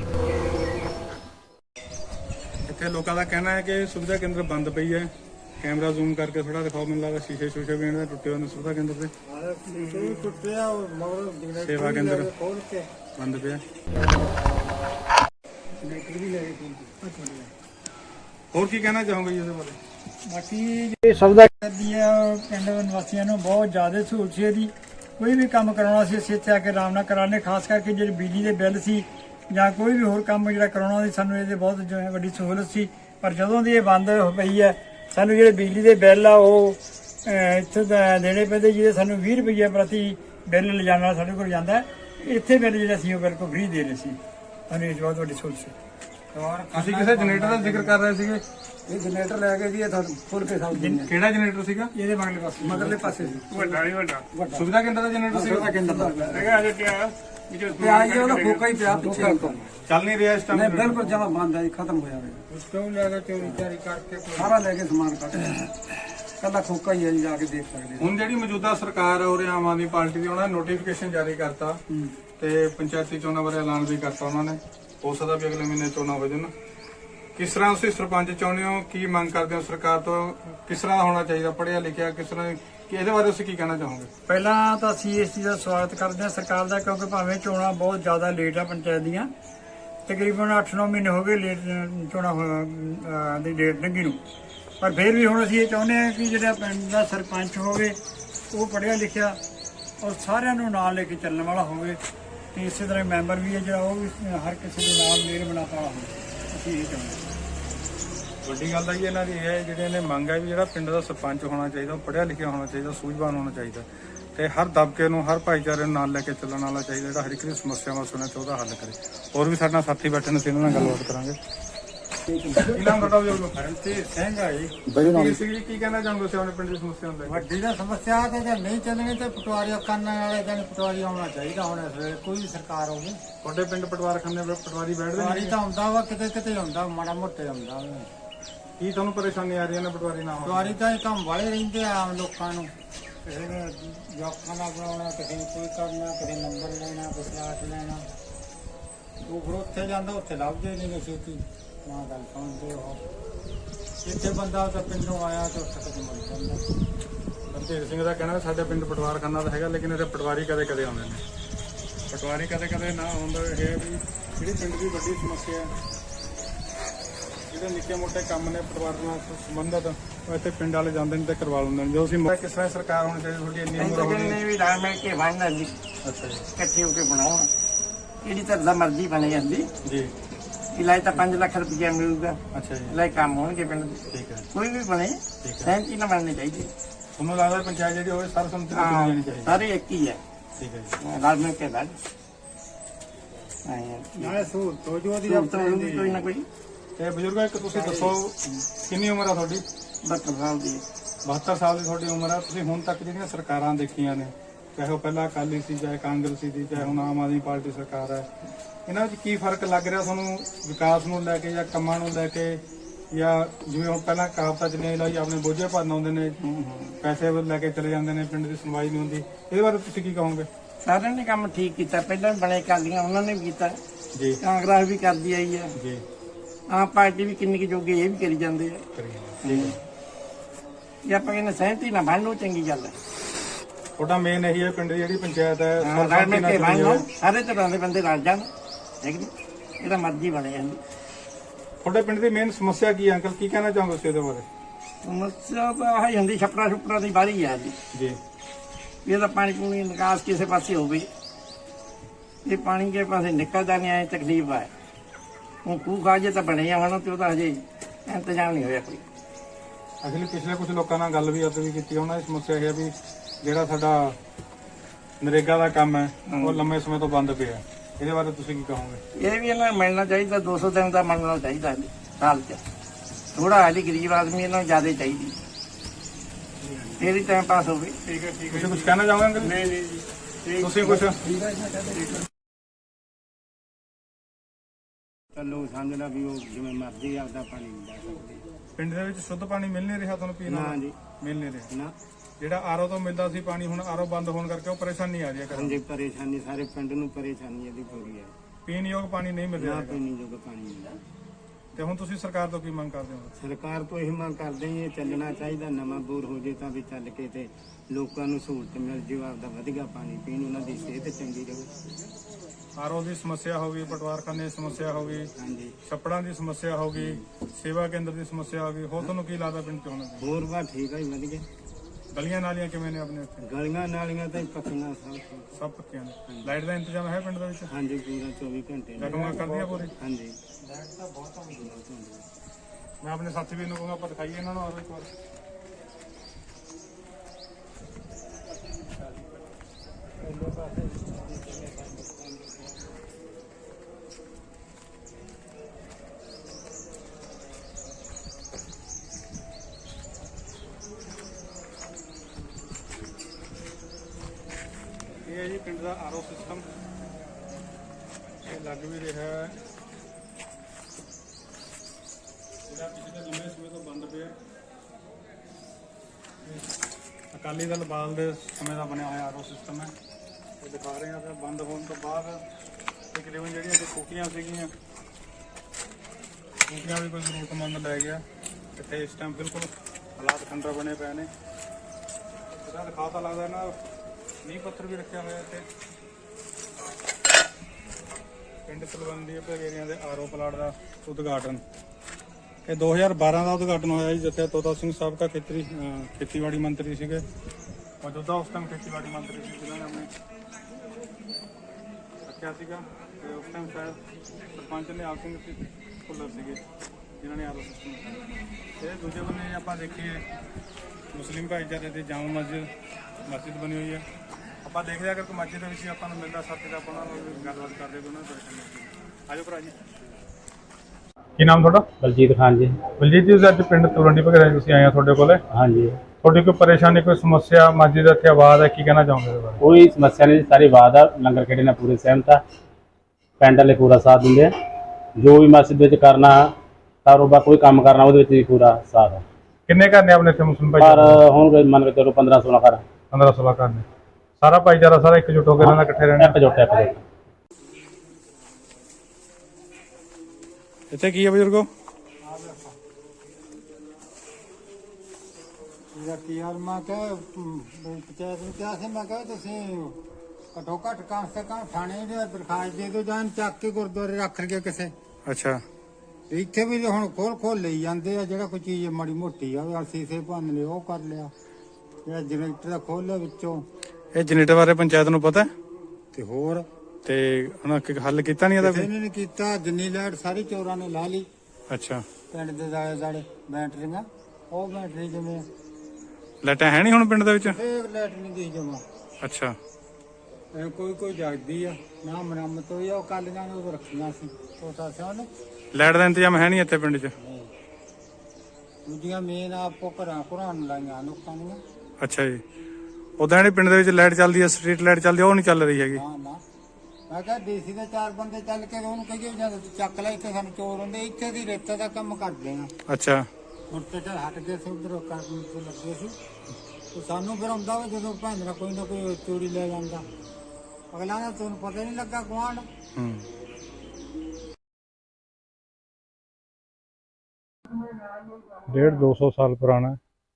[SPEAKER 1] ਇੱਥੇ ਲੋਕਾਂ ਦਾ ਕਹਿਣਾ ਹੈ ਕਿ ਸੁਵਿਧਾ ਕੇਂਦਰ ਬੰਦ ਪਈ ਹੈ। ਕੈਮਰਾ ਜ਼ੂਮ ਕਰਕੇ ਥੋੜਾ ਦਿਖਾਓ। ਮੈਨੂੰ ਲੱਗਦਾ ਸ਼ੀਸ਼ੇ ਸ਼ੂਸ਼ੇ ਵੀ ਇਹਨਾਂ ਦੇ ਟੁੱਟੇ ਹੋਏ ਨੇ ਸੁਵਿਧਾ ਕੇਂਦਰ ਦੇ। ਸੇਵਾ ਕੇਂਦਰ ਬੰਦ ਪਿਆ। ਹੋਰ ਕੀ ਕਹਿਣਾ ਚਾਹੋਗੇ ਜੀ ਇਹਦੇ ਬਾਰੇ?
[SPEAKER 8] ਬਾਕੀ ਇਹ ਸੁਵਿਧਾ ਦੀਆਂ ਪਿੰਡ ਨਿਵਾਸੀਆਂ ਨੂੰ ਬਹੁਤ ਜ਼ਿਆਦਾ ਸਹੂਲਤ ਸੀ ਇਹਦੀ। ਕੋਈ ਵੀ ਕੰਮ ਕਰਾਉਣਾ ਸੀ ਅਸੀਂ ਇੱਥੇ ਆ ਕੇ ਆਰਾਮ ਨਾਲ ਕਰਾਉਂਦੇ। ਖਾਸ ਕਰਕੇ ਜਿਹੜੇ ਬਿਜਲੀ ਦੇ ਬਿੱਲ ਸੀ ਜਾਂ ਕੋਈ ਵੀ ਹੋਰ ਕੰਮ ਜਿਹੜਾ ਕਰਾਉਣਾ ਸੀ, ਸਾਨੂੰ ਇਹਦੇ ਬਹੁਤ ਵੱਡੀ ਸਹੂਲਤ ਸੀ। ਪਰ ਜਦੋਂ ਦੀ ਇਹ ਬੰਦ ਪਈ ਹੈ, ਸਾਨੂੰ ਜਿਹੜੇ ਬਿਜਲੀ ਦੇ ਬਿੱਲ ਆ ਉਹ ਇੱਥੇ ਦੇਣੇ ਪੈਂਦੇ, ਜਿਹਦੇ ਸਾਨੂੰ 20 ਰੁਪਏ ਪ੍ਰਤੀ ਬਿੱਲ ਲਿਜਾਣਾ ਸਾਡੇ ਕੋਲ ਜਾਂਦਾ ਹੈ। ਇੱਥੇ ਬਿੱਲ ਜਿਹੜਾ ਸੀ ਉਹ ਬਿਲਕੁਲ ਫ੍ਰੀ ਦੇ ਰਹੇ ਸੀ। ਸਾਨੂੰ ਇਹ ਬਹੁਤ ਵੱਡੀ ਸਹੂਲਤ ਸੀ।
[SPEAKER 1] ਤੁਸੀਂ ਕਿਸੇ ਜਨਰੇਟਰ ਦਾ ਜ਼ਿਕਰ ਕਰ ਰਹੇ ਸੀਗੇ?
[SPEAKER 8] ਇਹ ਜਨਰੇਟਰ ਲੈ ਕੇ ਜੀ ਇਹ ਤੁਹਾਨੂੰ ਫੁੱਲ ਕੇ ਸਾਹ
[SPEAKER 1] ਕਿਹੜਾ ਜਨਰੇਟਰ ਸੀਗਾ?
[SPEAKER 8] ਇਹਦੇ ਮਗਰਲੇ ਪਾਸੇ ਸੀ।
[SPEAKER 1] ਵੱਡਾ ਨਹੀਂ ਵੱਡਾ ਸੁਵਿਧਾ ਕੇਂਦਰ ਦਾ ਜਨਰੇਟਰ ਸੀਗਾ?
[SPEAKER 8] ਕੇਂਦਰ ਦਾ
[SPEAKER 1] ਹੈਗਾ ਅਜੇ ਕਿਆ
[SPEAKER 8] ਪਿਆ ਜੀ, ਉਹਦਾ ਫੋਕਾ ਹੀ ਪਿਆ ਪਿੱਛੇ ਤੋਂ।
[SPEAKER 1] ਚੱਲ ਨਹੀਂ ਰਿਹਾ ਇਸ ਟਾਈਮ?
[SPEAKER 8] ਬਿਲਕੁਲ ਜਮਾ ਬੰਦ ਹੈ ਜੀ, ਖਤਮ ਹੋਇਆ ਹੋਇਆ। ਉਸ ਤੋਂ ਲੈ ਕੇ ਚੋਰੀ ਚਾਰੀ ਕਰਕੇ ਸਾਰਾ ਲੈ ਕੇ ਸਮਾਨ ਕੱਢ ਕੱਲਾ ਖੋਕਾ ਹੀ ਹੈ ਜੀ, ਜਾ ਕੇ ਦੇਖ ਸਕਦੇ।
[SPEAKER 1] ਹੁਣ ਜਿਹੜੀ ਮੌਜੂਦਾ ਸਰਕਾਰ ਹੈ ਉਹ ਆਮ ਆਦਮੀ ਪਾਰਟੀ ਦੀ, ਉਹਨਾਂ ਨੇ ਨੋਟੀਫਿਕੇਸ਼ਨ ਜਾਰੀ ਕਰਤਾ ਤੇ ਪੰਚਾਇਤੀ ਚੋਣਾਂ ਬਾਰੇ ਐਲਾਨ ਵੀ ਕਰਤਾ ਉਹਨਾਂ ਨੇ। ਹੋ ਸਕਦਾ ਵੀ ਅਗਲੇ ਮਹੀਨੇ ਚੋਣਾਂ ਹੋ ਜਾਣ। ਕਿਸ ਤਰ੍ਹਾਂ ਤੁਸੀਂ ਸਰਪੰਚ ਚਾਹੁੰਦੇ ਹੋ, ਕੀ ਮੰਗ ਕਰਦੇ ਹੋ ਸਰਕਾਰ ਤੋਂ? ਕਿਸ ਤਰ੍ਹਾਂ ਦਾ ਹੋਣਾ ਚਾਹੀਦਾ, ਪੜ੍ਹਿਆ ਲਿਖਿਆ ਕਿਸ ਤਰ੍ਹਾਂ, ਕਿ ਇਹਦੇ ਬਾਰੇ ਤੁਸੀਂ ਕੀ ਕਹਿਣਾ ਚਾਹੋਗੇ?
[SPEAKER 8] ਪਹਿਲਾਂ ਤਾਂ ਅਸੀਂ ਇਸ ਚੀਜ਼ ਦਾ ਸਵਾਗਤ ਕਰਦੇ ਹਾਂ ਸਰਕਾਰ ਦਾ, ਕਿਉਂਕਿ ਭਾਵੇਂ ਚੋਣਾਂ ਬਹੁਤ ਜ਼ਿਆਦਾ ਲੇਟ ਆ ਪੰਚਾਇਤ ਦੀਆਂ, ਤਕਰੀਬਨ 8-9 ਮਹੀਨੇ ਹੋ ਗਏ ਲੇਟ ਚੋਣਾਂ ਦੀ ਡੇਟ ਲੰਘੀ ਨੂੰ। ਪਰ ਫਿਰ ਵੀ ਹੁਣ ਅਸੀਂ ਇਹ ਚਾਹੁੰਦੇ ਹਾਂ ਕਿ ਜਿਹੜਾ ਪਿੰਡ ਦਾ ਸਰਪੰਚ ਹੋਵੇ ਉਹ ਪੜ੍ਹਿਆ ਲਿਖਿਆ ਔਰ ਸਾਰਿਆਂ ਨੂੰ ਨਾਲ ਲੈ ਕੇ ਚੱਲਣ ਵਾਲਾ ਹੋਵੇ, ਤੇ ਇਸੇ ਤਰ੍ਹਾਂ ਮੈਂਬਰ ਵੀ ਹੈ ਜਿਹੜਾ ਉਹ ਵੀ ਹਰ ਕਿਸੇ ਦੇ ਨਾਲ ਮੇਲ ਬਣਾਉਣ ਵਾਲਾ ਹੋਵੇ। ਅਸੀਂ ਇਹ ਚਾਹੁੰਦੇ ਹਾਂ।
[SPEAKER 1] ਵੱਡੀ ਗੱਲ ਤਾਂ ਜੀ ਇਹਨਾਂ ਦੀ ਇਹ ਹੈ, ਜਿਹੜੇ ਇਹਨੇ ਮੰਗ ਹੈ ਵੀ ਜਿਹੜਾ ਪਿੰਡ ਦਾ ਸਰਪੰਚ ਹੋਣਾ ਚਾਹੀਦਾ ਉਹ ਪੜ੍ਹਿਆ ਲਿਖਿਆ ਹੋਣਾ ਚਾਹੀਦਾ, ਸੂਝਵਾਨ ਹੋਣਾ ਚਾਹੀਦਾ, ਤੇ ਹਰ ਦਬਕੇ ਨੂੰ ਹਰ ਭਾਈਚਾਰੇ ਨੂੰ ਨਾਲ ਲੈ ਕੇ ਚੱਲਣ ਵਾਲਾ ਚਾਹੀਦਾ, ਜਿਹੜਾ ਹਰ ਇੱਕ ਦੀ ਸਮੱਸਿਆਵਾਂ ਸੁਣੇ ਤੇ ਉਹਦਾ ਹੱਲ ਕਰੇ। ਹੋਰ ਵੀ ਸਾਡੇ ਨਾਲ ਸਾਥੀ ਬੈਠੇ ਨੇ, ਇਹਨਾਂ ਨਾਲ ਗੱਲਬਾਤ ਕਰਾਂਗੇ। ਕੀ ਨਾਮ ਤੁਹਾਡਾ ਬਜ਼ੁਰਗੋ?
[SPEAKER 8] ਹਰਮਜੀਤ ਸਿੰਘ ਆ ਜੀ।
[SPEAKER 1] ਕੀ ਕਹਿਣਾ ਚਾਹੋਗੇ ਤੁਸੀਂ ਆਪਣੇ ਪਿੰਡ ਦੀ ਸਮੱਸਿਆ ਨੂੰ ਲੈ ਕੇ?
[SPEAKER 8] ਵੱਡੀ ਦਾ ਸਮੱਸਿਆ ਤੇ ਜੇ ਨਹੀਂ ਚੱਲਣੀ ਤੇ ਪਟਵਾਰੀ ਕਰਨ ਵਾਲੇ ਦਿਨ ਪਟਵਾਰੀ ਆਉਣਾ ਚਾਹੀਦਾ। ਹੁਣ ਇਸ ਵੇਲੇ ਕੋਈ ਵੀ ਸਰਕਾਰ ਹੋਵੇ।
[SPEAKER 1] ਤੁਹਾਡੇ ਪਿੰਡ ਪਟਵਾਰਖਾਨੇ ਵਿੱਚ ਪਟਵਾਰੀ ਬੈਠਦੇ
[SPEAKER 8] ਪਟਵਾਰੀ
[SPEAKER 1] ਨੇ?
[SPEAKER 8] ਤਾਂ ਆਉਂਦਾ ਵਾ, ਕਿਤੇ ਕਿਤੇ ਆਉਂਦਾ, ਮਾੜਾ ਮੋਟੇ ਆਉਂਦਾ ਵਾ।
[SPEAKER 1] ਕੀ ਤੁਹਾਨੂੰ ਪਰੇਸ਼ਾਨੀ ਆ ਰਹੀ ਹੈ ਨਾ ਪਟਵਾਰੀ ਨਾ ਹੋਣ?
[SPEAKER 8] ਪਟਵਾਰੀ ਤਾਂ ਇਹ ਕੰਮ ਵਾਲੇ ਰਹਿੰਦੇ ਆ ਆਮ ਲੋਕਾਂ ਨੂੰ। ਕਿਸੇ ਨੇ ਜੋਖਾਂ ਦਾ ਬਣਾਉਣਾ, ਕਿਸੇ ਨੂੰ ਕੋਈ ਕਰਨਾ, ਕਿਸੇ ਨੰਬਰ ਲੈਣਾ, ਕਿਸੇ ਕਲਾਸ ਲੈਣਾ। ਉਹ ਫਿਰ ਉੱਥੇ ਜਾਂਦਾ, ਉੱਥੇ ਲੱਭਦੇ ਨਹੀਂ ਛੇਤੀ ਨਾ ਗੱਲ ਸੁਣਦੇ ਉਹ। ਇੱਥੇ ਬੰਦਾ ਤਾਂ ਪਿੰਡੋਂ ਆਇਆ ਤਾਂ ਉੱਥੇ ਤੱਕ ਮਿਲ ਜਾਂਦਾ।
[SPEAKER 1] ਗੁਰਤੇਜ ਸਿੰਘ ਦਾ ਕਹਿਣਾ ਸਾਡੇ ਪਿੰਡ ਪਟਵਾਰਖਾਨਾ ਤਾਂ ਹੈਗਾ, ਲੇਕਿਨ ਇੱਥੇ ਪਟਵਾਰੀ ਕਦੇ ਕਦੇ ਆਉਂਦੇ ਨੇ। ਪਟਵਾਰੀ ਕਦੇ ਕਦੇ ਨਾ ਹੁੰਦਾ ਇਹ ਵੀ ਜਿਹੜੀ ਪਿੰਡ ਦੀ ਵੱਡੀ ਸਮੱਸਿਆ ਹੈ, ਜਿਹੜੇ ਨਿੱਕੇ ਮੋਟੇ ਕੰਮ ਨੇ ਪਰਿਵਾਰ ਨਾਲ ਸੰਬੰਧਿਤ, ਉਹ ਇੱਥੇ ਪਿੰਡ ਵਾਲੇ ਜਾਂਦੇ ਨੇ ਤੇ ਕਰਵਾ ਲੈਂਦੇ ਨੇ। ਜੋ ਅਸੀਂ ਕਿਸ ਤਰ੍ਹਾਂ ਸਰਕਾਰ ਹੋਣੀ ਚਾਹੀਦੀ, ਤੁਹਾਡੀ ਇੰਨੀ ਉਮਰ ਹੋ ਗਈ।
[SPEAKER 9] ਵੀ ਰਲ ਮਿਲ ਕੇ ਬਣਨਾ ਜੀ,
[SPEAKER 1] ਅੱਛਾ ਜੀ,
[SPEAKER 9] ਇਕੱਠੇ ਹੋ ਕੇ ਬਣਾਉਣ। ਜਿਹੜੀ ਧਰਦਾ ਮਰਜ਼ੀ ਬਣ ਜਾਂਦੀ,
[SPEAKER 1] ਜੀ,
[SPEAKER 9] ਇਲਾਜ ਤਾਂ 5 ਲੱਖ ਰੁਪਇਆ ਮਿਲੂਗਾ,
[SPEAKER 1] ਅੱਛਾ ਜੀ,
[SPEAKER 9] ਇਲਾਜ ਕੰਮ ਹੋਣਗੇ ਪਿੰਡ ਦੇ।
[SPEAKER 1] ਠੀਕ ਹੈ,
[SPEAKER 9] ਕੋਈ ਵੀ ਬਣੇ
[SPEAKER 1] ਠੀਕ ਹੈ।
[SPEAKER 9] ਸਹਿਮਤੀ ਨਾਲ ਬਣਨੀ ਚਾਹੀਦੀ।
[SPEAKER 1] ਤੁਹਾਨੂੰ ਲੱਗਦਾ ਪੰਚਾਇਤ ਜਿਹੜੀ ਹੋਵੇ ਸਰਬਸੰਮਤੀ ਨਾਲ ਚੁਣੀ ਜਾਣੀ ਚਾਹੀਦੀ।
[SPEAKER 9] ਸਾਰੇ ਇੱਕ ਹੀ ਹੈ,
[SPEAKER 1] ਠੀਕ ਹੈ ਜੀ,
[SPEAKER 9] ਰਲ ਮਿਲ ਕੇ ਬਣ।
[SPEAKER 8] ਨਾਲੇ ਸਹੂਲਤ ਹੋ ਜੋ ਦੀ
[SPEAKER 9] ਕੋਈ ਨਾ ਕੋਈ
[SPEAKER 1] ਤੇ ਬਜ਼ੁਰਗੋ ਇੱਕ ਤੁਸੀਂ ਦੱਸੋ ਕਿੰਨੀ ਉਮਰ ਆ ਤੁਹਾਡੀ?
[SPEAKER 9] 72 ਸਾਲ ਦੀ
[SPEAKER 1] 72 ਸਾਲ ਦੀ ਤੁਹਾਡੀ ਉਮਰ ਆ। ਤੁਸੀਂ ਹੁਣ ਤੱਕ ਜਿਹੜੀਆਂ ਸਰਕਾਰਾਂ ਦੇਖੀਆਂ ਨੇ, ਚਾਹੇ ਉਹ ਪਹਿਲਾਂ ਅਕਾਲੀ ਸੀ, ਚਾਹੇ ਕਾਂਗਰਸੀ ਦੀ, ਚਾਹੇ ਹੁਣ ਆਮ ਆਦਮੀ ਪਾਰਟੀ ਸਰਕਾਰ ਹੈ, ਇਹਨਾਂ ਵਿੱਚ ਕੀ ਫਰਕ ਲੱਗ ਰਿਹਾ ਤੁਹਾਨੂੰ ਵਿਕਾਸ ਨੂੰ ਲੈ ਕੇ ਜਾਂ ਕੰਮਾਂ ਨੂੰ ਲੈ ਕੇ? ਜਾਂ ਜਿਵੇਂ ਹੁਣ ਪਹਿਲਾਂ ਕਹਾਵਤਾਂ ਚੱਲੀਆਂ ਲਈ ਆਪਣੇ ਬੋਝੇ ਭਰਨ ਆਉਂਦੇ ਨੇ, ਪੈਸੇ ਲੈ ਕੇ ਚਲੇ ਜਾਂਦੇ ਨੇ, ਪਿੰਡ ਦੀ ਸੁਣਵਾਈ ਨਹੀਂ ਹੁੰਦੀ, ਇਹਦੇ ਬਾਰੇ ਤੁਸੀਂ ਕੀ ਕਹੋਗੇ?
[SPEAKER 9] ਸਾਰਿਆਂ ਨੇ ਕੰਮ ਠੀਕ ਕੀਤਾ। ਪਹਿਲਾਂ ਵੀ ਬਣੇ ਅਕਾਲੀਆਂ, ਉਹਨਾਂ ਨੇ ਵੀ ਕੀਤਾ
[SPEAKER 1] ਜੀ,
[SPEAKER 9] ਕਾਂਗਰਸ ਵੀ ਕਰਦੀ ਆਈ ਹੈ,
[SPEAKER 1] ਜੀ,
[SPEAKER 9] ਆਮ ਪਾਰਟੀ ਵੀ ਕਿੰਨੀ ਕੁ ਜੋਗੇ ਇਹ ਵੀ ਕਰੀ ਜਾਂਦੇ ਆ। ਜੇ ਆਪਾਂ ਕਹਿੰਦੇ ਸਹਿਮਤੀ ਨਾਲ ਬਣ ਲਓ, ਚੰਗੀ ਗੱਲ ਹੈ।
[SPEAKER 1] ਤੁਹਾਡਾ ਮੇਨ ਇਹੀ ਹੈ ਪਿੰਡ ਦੀ ਜਿਹੜੀ ਪੰਚਾਇਤ ਹੈ
[SPEAKER 9] ਰਲ ਮਿਲ ਕੇ ਬਣ ਲਓ, ਸਾਰੇ ਤਰ੍ਹਾਂ ਦੇ ਬੰਦੇ ਰਲ ਜਾਣ, ਠੀਕ ਨੀ? ਇਹਦਾ ਮਰਜ਼ੀ ਬਣੇ ਜਾਂਦੀ।
[SPEAKER 1] ਤੁਹਾਡੇ ਪਿੰਡ ਦੀ ਮੇਨ ਸਮੱਸਿਆ ਕੀ ਹੈ ਅੰਕਲ, ਕੀ ਕਹਿਣਾ ਚਾਹੋਗੇ ਤੁਸੀਂ ਇਹਦੇ ਬਾਰੇ?
[SPEAKER 9] ਸਮੱਸਿਆ ਤਾਂ ਆਹੀ ਹੁੰਦੀ, ਛੱਪੜਾ ਛੁੱਪੜਾ ਦੀ ਬਾਰੀ ਹੈ ਜੀ।
[SPEAKER 1] ਜੀ,
[SPEAKER 9] ਇਹਦਾ ਪਾਣੀ ਪੂਣੀ ਨਿਕਾਸ ਕਿਸੇ ਪਾਸੇ ਹੋਵੇ, ਇਹ ਪਾਣੀ ਕੇ ਪਾਸੇ ਨਿਕਲਦਾ ਨਹੀਂ, ਆਏ ਤਕਲੀਫ ਹੈ। ਹੁਣ ਖੂਹ ਖਾਜੇ ਤਾਂ ਬਣੇ ਆ ਹੁਣ, ਤੇ ਉਹਦਾ ਹਜੇ ਇੰਤਜ਼ਾਮ ਨਹੀਂ ਹੋਇਆ ਕੋਈ।
[SPEAKER 1] ਅਸਲੀ ਪਿਛਲੇ ਕੁਝ ਲੋਕਾਂ ਨਾਲ ਗੱਲ ਵੀ ਅੱਜ ਵੀ ਕੀਤੀ, ਉਹਨਾਂ ਦੀ ਸਮੱਸਿਆ ਇਹ ਹੈ ਵੀ ਜਿਹੜਾ ਸਾਡਾ ਨਰੇਗਾ ਦਾ ਕੰਮ ਹੈ ਉਹ ਲੰਮੇ ਸਮੇਂ ਤੋਂ ਬੰਦ ਪਿਆ। ਇਹਦੇ ਬਾਰੇ ਤੁਸੀਂ ਕੀ ਕਹੋਗੇ?
[SPEAKER 9] ਇਹ ਵੀ ਇਹਨਾਂ ਨੂੰ ਮਿਲਣਾ ਚਾਹੀਦਾ, 200 ਦਿਨ ਦਾ ਮੰਨਣਾ ਚਾਹੀਦਾ ਸਾਲ 'ਚ। ਥੋੜਾ ਹਾਲੀ ਗਰੀਬ ਆਦਮੀ ਇਹਨਾਂ ਨੂੰ ਜ਼ਿਆਦਾ ਚਾਹੀਦੀ, ਫਿਰ ਹੀ ਟਾਈਮ ਪਾਸ ਹੋਵੇ।
[SPEAKER 1] ਠੀਕ ਹੈ, ਠੀਕ ਹੈ। ਤੁਸੀਂ ਕੁਝ ਕਹਿਣਾ ਚਾਹੋਗੇ ਅੰਕਲ? ਨਹੀਂ ਜੀ, ਤੁਸੀਂ ਕੁਝ?
[SPEAKER 2] ਲੋਕ ਸਮਝਦਾ ਵੀ ਉਹ ਜਿਵੇਂ ਮਰਜ਼ੀ ਆਪਦਾ ਪਾਣੀ ਲੈ ਸਕਦੇ।
[SPEAKER 1] ਪਿੰਡ ਦੇ ਵਿੱਚ ਸ਼ੁੱਧ ਪਾਣੀ ਮਿਲ ਨਹੀਂ ਰਿਹਾ ਤੁਹਾਨੂੰ ਪੀਣ ਨੂੰ?
[SPEAKER 2] ਜੀ,
[SPEAKER 1] ਮਿਲ ਨਹੀਂ ਰਿਹਾ
[SPEAKER 2] ਨਾ।
[SPEAKER 1] ਜਿਹੜਾ ਆਰਓ ਤੋਂ ਮਿਲਦਾ ਸੀ ਪਾਣੀ, ਹੁਣ ਆਰਓ ਬੰਦ ਹੋਣ ਕਰਕੇ ਉਹ ਪਰੇਸ਼ਾਨੀ ਆ ਰਹੀ ਹੈ।
[SPEAKER 2] ਹਾਂਜੀ, ਪਰੇਸ਼ਾਨੀ ਸਾਰੇ ਪਿੰਡ ਨੂੰ ਪਰੇਸ਼ਾਨੀ ਇਹਦੀ ਪੂਰੀ ਹੈ।
[SPEAKER 1] ਪੀਣ ਯੋਗ ਪਾਣੀ ਨਹੀਂ ਮਿਲ ਰਿਹਾ
[SPEAKER 2] ਨਾ
[SPEAKER 1] ਹੈਗਾ।
[SPEAKER 2] ਪੀਣ ਯੋਗ ਪਾਣੀ ਨਹੀਂ।
[SPEAKER 1] ਤੇ ਹੁਣ ਤੁਸੀਂ ਸਰਕਾਰ ਤੋਂ ਕੀ ਮੰਗ ਕਰਦੇ ਹੋ?
[SPEAKER 2] ਸਰਕਾਰ ਤੋਂ ਇਹ ਮੰਗ ਕਰਦੇ ਹਾਂ, ਇਹ ਚੱਲਣਾ ਚਾਹੀਦਾ, ਨਵਾਂ ਬੋਰ ਹੋ ਜੇ ਤਾਂ ਵੀ ਚੱਲ ਕੇ ਤੇ ਲੋਕਾਂ ਨੂੰ ਸਹੂਲਤ ਮਿਲ ਜੇ, ਆਪਦਾ ਵਧੀਆ ਪਾਣੀ ਪੀਣ, ਉਹਨਾਂ ਦੀ ਸਿਹਤ ਚੰਗੀ ਰਹੇ।
[SPEAKER 1] ਆਰਓ ਦੀ ਸਮੱਸਿਆ ਹੋ ਗਈ, ਪਟਵਾਰਖਾਨੇ ਦੀ ਸਮੱਸਿਆ ਹੋ ਗਈ,
[SPEAKER 2] ਹਾਂਜੀ,
[SPEAKER 1] ਛੱਪੜਾਂ ਦੀ ਸਮੱਸਿਆ ਹੋ ਗਈ, ਸੇਵਾ ਕੇਂਦਰ ਦੀ ਸਮੱਸਿਆ ਹੋ ਗਈ, ਹੋਰ ਤੁਹਾਨੂੰ ਕੀ ਲੱਗਦਾ ਪਿੰਡ ਚ ਹੋਣਾ ਚਾਹੀਦਾ?
[SPEAKER 2] ਹੋਰ ਬਾ ਠੀਕ ਹੈ ਜੀ, ਵਧੀਆ।
[SPEAKER 1] ਗਲੀਆਂ ਨਾਲੀਆਂ ਕਿਵੇਂ ਨੇ ਆਪਣੇ ਇੱਥੇ?
[SPEAKER 2] ਗਲੀਆਂ ਨਾਲੀਆਂ ਤਾਂ ਪੱਕੀਆਂ
[SPEAKER 1] ਸਭ ਪੱਕੀਆਂ ਨੇ। ਲਾਈਟ ਦਾ ਇੰਤਜ਼ਾਮ ਹੈ ਪਿੰਡ ਦੇ ਵਿੱਚ?
[SPEAKER 2] ਹਾਂਜੀ, ਪੂਰਾ 24 ਘੰਟੇ।
[SPEAKER 1] ਜਗਮਗ ਕਰਦੀ ਹੈ ਪੂਰੀ?
[SPEAKER 2] ਹਾਂਜੀ।
[SPEAKER 1] ਮੈਂ ਆਪਣੇ ਸਾਥੀ ਵੀਰ ਨੂੰ ਕਹੂੰਗਾ ਆਪਾਂ ਦਿਖਾਈਏ ਇਹਨਾਂ ਨੂੰ ਆਰਓ ਇੱਕ ਵਾਰ। ਇਹ ਹੈ ਜੀ ਪਿੰਡ ਦਾ ਆਰਓ ਸਿਸਟਮ, ਇਹ ਲੱਗ ਵੀ ਰਿਹਾ ਹੈ, ਜਿਹੜਾ ਪਿਛਲੇ ਲੰਬੇ ਸਮੇਂ ਤੋਂ ਬੰਦ ਪਿਆ। ਅਕਾਲੀ ਦਲ ਬਾਲ ਦੇ ਸਮੇਂ ਦਾ ਬਣਿਆ ਹੋਇਆ ਆਰਓ ਸਿਸਟਮ ਹੈ, ਇਹ ਦਿਖਾ ਰਹੇ ਹਾਂ। ਫਿਰ ਬੰਦ ਹੋਣ ਤੋਂ ਬਾਅਦ ਤਕਰੀਬਨ ਜਿਹੜੀਆਂ ਕਿ ਟੂਟੀਆਂ ਸੀਗੀਆਂ, ਟੂਟੀਆਂ ਵੀ ਕੋਈ ਜ਼ਰੂਰਤਮੰਦ ਲੈ ਗਿਆ। ਇੱਥੇ ਇਸ ਟਾਈਮ ਬਿਲਕੁਲ ਹਾਲਾਤ ਖੰਡਰ ਬਣੇ ਪਏ ਨੇ। ਇਹਦਾ ਦਿਖਾ ਤਾਂ ਲੱਗਦਾ ਨਾ, ਨੀਂਹ ਪੱਥਰ ਵੀ ਰੱਖਿਆ ਹੋਇਆ ਇੱਥੇ। ਪਿੰਡ ਤਲਵੰਡੀ ਏਰੀਆ ਦੇ ਆਰਓ ਪਲਾਟ ਦਾ ਉਦਘਾਟਨ, ਇਹ 2012 ਦਾ ਉਦਘਾਟਨ ਹੋਇਆ ਜੀ, ਜਿੱਥੇ ਤੋਤਾ ਸਿੰਘ ਸਾਬਕਾ ਖੇਤੀਬਾੜੀ ਮੰਤਰੀ ਸੀਗੇ, ਮੌਜੂਦਾ ਉਸ ਟਾਈਮ ਖੇਤੀਬਾੜੀ ਮੰਤਰੀ ਸੀ, ਜਿਨ੍ਹਾਂ ਨੇ ਆਪਣੇ ਰੱਖਿਆ ਸੀਗਾ। ਤੇ ਉਸ ਟਾਈਮ ਸ਼ਾਇਦ ਸਰਪੰਚ ਨਿਹਾਲ ਸਿੰਘ ਭੁੱਲਰ ਸੀਗੇ, ਜਿਨ੍ਹਾਂ ਨੇ ਆਰਓ ਸਿਸਟਮ ਇਹ। ਦੂਜੇ ਬੰਨੇ ਆਪਾਂ ਦੇਖੀਏ ਮੁਸਲਿਮ ਭਾਈਚਾਰੇ ਦੀ ਜਾਮਾ ਮਸਜਿਦ ਬਣੀ ਹੋਈ ਹੈ। ਆਪਾਂ ਦੇਖਦੇ ਹਾਂ, ਅਗਰ ਕੋਈ ਮਸਜਿਦ ਦੇ ਵਿੱਚ ਆਪਾਂ ਨੂੰ ਮਿਲਦਾ ਸਾਥੀ ਦਾ, ਆਪਾਂ ਉਹਨਾਂ ਨਾਲ ਗੱਲਬਾਤ ਕਰਦੇ ਹਾਂ, ਉਹਨਾਂ ਨੂੰ ਪਰੇਸ਼ਾਨੀ। ਆਜੋ ਭਰਾ ਜੀ। ਕੀ ਨਾਮ ਤੁਹਾਡਾ?
[SPEAKER 4] ਬਲਜੀਤ ਖਾਨ ਜੀ।
[SPEAKER 1] ਬਲਜੀਤ ਜੀ, ਅੱਜ ਪਿੰਡ ਤਲਵੰਡੀ ਭਗੇਰਾ ਤੁਸੀਂ ਆਏ ਆ, ਤੁਹਾਡੇ ਕੋਲੇ
[SPEAKER 4] ਹਾਂਜੀ।
[SPEAKER 1] ਤੁਹਾਡੀ ਕੋਈ ਪਰੇਸ਼ਾਨੀ, ਕੋਈ ਸਮੱਸਿਆ, ਮਸਜਿਦ ਇੱਥੇ ਆਬਾਦ ਹੈ, ਕੀ ਕਹਿਣਾ ਚਾਹੋਗੇ ਇਹਦੇ ਬਾਰੇ?
[SPEAKER 4] ਕੋਈ ਸਮੱਸਿਆ ਨਹੀਂ, ਸਾਰੀ ਬਾਤ ਆ। ਲੰਗਰ ਖੇੜੇ ਨਾਲ ਪੂਰੇ ਸਹਿਮਤ ਆ, ਪਿੰਡ ਵਾਲੇ ਪੂਰਾ ਸਾਥ ਦਿੰਦੇ ਆ। ਜੋ ਵੀ ਮਸਜਿਦ ਵਿੱਚ ਕਰਨਾ, ਕਾਰੋਬਾਰ ਕੋਈ ਕੰਮ ਕਰਨਾ, ਉਹਦੇ ਵਿੱਚ ਵੀ ਪੂਰਾ ਸਾਥ ਹੈ।
[SPEAKER 1] ਕਿੰਨੇ ਘਰ ਨੇ ਆਪਣੇ ਇੱਥੇ ਮੁਸਲਿਮ
[SPEAKER 4] ਪਰ
[SPEAKER 1] ਭਾਈਚਾਰੇ?
[SPEAKER 4] ਹੁਣ ਮੰਨ ਕੇ ਚਲੋ 15-16 ਘਰ।
[SPEAKER 1] 15-16 ਘਰ ਨੇ। ਸਾਰਾ ਭਾਈਚਾਰਾ ਸਾਰਾ ਇਕਜੁੱਟ ਹੋ ਕੇ ਰਹਿੰਦਾ, ਇਕੱਠੇ ਰਹਿੰਦਾ?
[SPEAKER 4] ਇੱਕ ਜੁੱਟ।
[SPEAKER 1] ਇੱਥੇ ਕੀ ਹੈ ਬਜ਼ੁਰਗੋ?
[SPEAKER 8] ਯਾਰ ਮੈਂ ਕਿਹਾ ਪੰਚਾਇਤ ਨੂੰ ਕਿਹਾ ਸੀ, ਮੈਂ ਕਿਹਾ ਤੁਸੀਂ ਘਟੋ ਘੱਟ ਕਮ ਸੇ ਕਮ ਥਾਣੇ ਦੇ ਦਰਖਾਸਤ ਦੇ ਦੋ ਜਾਂ ਚੱਕ ਕੇ ਗੁਰਦੁਆਰੇ ਰੱਖ ਲਗੇ ਕਿਸੇ।
[SPEAKER 1] ਅੱਛਾ
[SPEAKER 8] ਇੱਥੇ ਵੀ ਹੁਣ ਖੋਲ ਲਈ ਜਾਂਦੇ ਆ, ਜਿਹੜਾ ਕੋਈ ਚੀਜ਼ ਮਾੜੀ ਮੋਟੀ ਆ ਸੀਸੇ ਭੰਨ ਲਏ ਉਹ ਕਰ ਲਿਆ, ਜਿਹੜਾ ਜਨਰੇਟਰ ਦਾ ਖੋਲਿਆ ਵਿੱਚੋਂ।
[SPEAKER 1] ਇਹ ਜਨਰੇਟਰ ਬਾਰੇ ਪੰਚਾਇਤ ਨੂੰ ਪਤਾ
[SPEAKER 8] ਤੇ ਹੋਰ
[SPEAKER 1] ਤੇ ਉਹਨਾਂ ਕੋਈ ਹੱਲ ਕੀਤਾ ਨਹੀਂ ਇਹਦਾ
[SPEAKER 8] ਕਿਸੇ
[SPEAKER 1] ਕੋਈ?
[SPEAKER 8] ਨੇ ਨੀ ਕੀਤਾ, ਜਿੰਨੀ ਲਾਈਟ ਸਾਰੀ ਚੋਰਾਂ ਨੇ ਲਾ ਲਈ
[SPEAKER 1] ਅੱਛਾ
[SPEAKER 8] ਪਿੰਡ ਦੇ ਦਾਲੇ ਦਾਲੇ ਬੈਟਰੀਆਂ, ਉਹ ਬੈਟਰੀ ਜਿਵੇਂ
[SPEAKER 1] ਲਾਈਟਾਂ ਹੈ ਨਹੀਂ ਹੁਣ ਪਿੰਡ ਦੇ ਵਿੱਚ?
[SPEAKER 8] ਫੇਰ ਲਾਈਟ ਨਹੀਂ ਗਈ ਜਮਾ।
[SPEAKER 1] ਅੱਛਾ
[SPEAKER 8] ਕੋਈ ਜਗਦੀ ਆ ਨਾ ਮੁਰੰਮਤ ਹੋਈ ਆ, ਉਹ ਕਾਲੀਆਂ ਨੇ ਉਹ ਰੱਖੀਆਂ ਸੀ ਤੋਤਾ ਸਿੰਘ ਨੇ।
[SPEAKER 1] ਲਾਈਟ ਦਾ ਇੰਤਜ਼ਾਮ ਹੈ ਨਹੀਂ ਇੱਥੇ ਪਿੰਡ 'ਚ?
[SPEAKER 8] ਦੂਜੀਆਂ ਮੇਨ ਆਪੋ ਘਰਾਂ ਨੂੰ ਲਾਈਆਂ ਲੋਕਾਂ ਦੀਆਂ।
[SPEAKER 1] ਅੱਛਾ ਜੀ, ਉਦਾਂ ਜਿਹੜੀ ਪਿੰਡ ਦੇ ਵਿੱਚ ਲਾਈਟ ਚੱਲਦੀ ਹੈ, ਸਟਰੀਟ ਲਾਈਟ ਚੱਲਦੀ ਹੈ, ਉਹ ਨਹੀਂ ਚੱਲ ਰਹੀ ਹੈਗੀ?
[SPEAKER 8] ਨਾ ਨਾ, ਮੈਂ ਕਿਹਾ ਡੀਸੀ ਦੇ 4 ਬੰਦੇ ਚੱਲ ਕੇ ਉਹਨੂੰ ਕਹੀਏ ਜਦ ਚੱਕ ਲੈ, ਇੱਥੇ ਸਾਨੂੰ ਚੋਰ ਹੁੰਦੇ, ਇੱਥੇ ਦੀ ਰੇਤਾ ਦਾ ਕੰਮ ਕਰਦੇ ਆ।
[SPEAKER 1] ਅੱਛਾ
[SPEAKER 8] ਹੁਣ ਤੇ ਚੱਲ ਹਟ ਗਏ ਸੀ, ਉਧਰ ਕਰਨ ਤੇ ਲੱਗੇ ਸੀ, ਤੇ ਸਾਨੂੰ ਫਿਰ ਆਉਂਦਾ ਵਾ ਜਦੋਂ ਭੈਣ ਦਾ ਕੋਈ ਨਾ ਕੋਈ ਚੋਰੀ ਲੈ ਜਾਂਦਾ, ਅਗਲਾ ਨਾ ਤੁਹਾਨੂੰ ਪਤਾ ਨਹੀਂ ਲੱਗਾ ਗੁਆਂਢ।
[SPEAKER 1] ਹੂੰ 150-200 ਸਾਲ ਪੁਰਾਣਾ।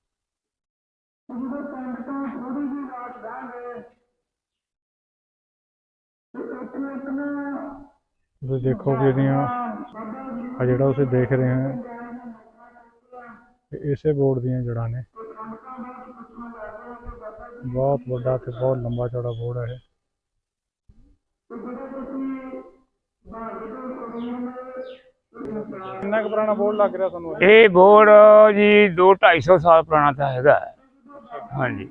[SPEAKER 1] ਤੁਸੀਂ ਦੇਖੋ ਜਿਹੜੀਆਂ ਆ ਜਿਹੜਾ ਤੁਸੀਂ ਦੇਖ ਰਹੇ ਹੋ ਇਸੇ ਬੋਰਡ ਦੀਆਂ ਜੜ੍ਹਾਂ ਨੇ। ਬਹੁਤ ਵੱਡਾ ਤੇ ਬਹੁਤ ਲੰਬਾ ਚੌੜਾ ਬੋਰਡ ਹੈ ਇਹ। ਕਿੰਨਾ ਕੁ ਪੁਰਾਣਾ ਬੋਰਡ ਲੱਗ ਰਿਹਾ ਤੁਹਾਨੂੰ?
[SPEAKER 10] ਇਹ ਬੋਰਡ ਜੀ 200-250 ਸਾਲ ਪੁਰਾਣਾ ਤਾਂ ਹੈਗਾ। ਹਾਂਜੀ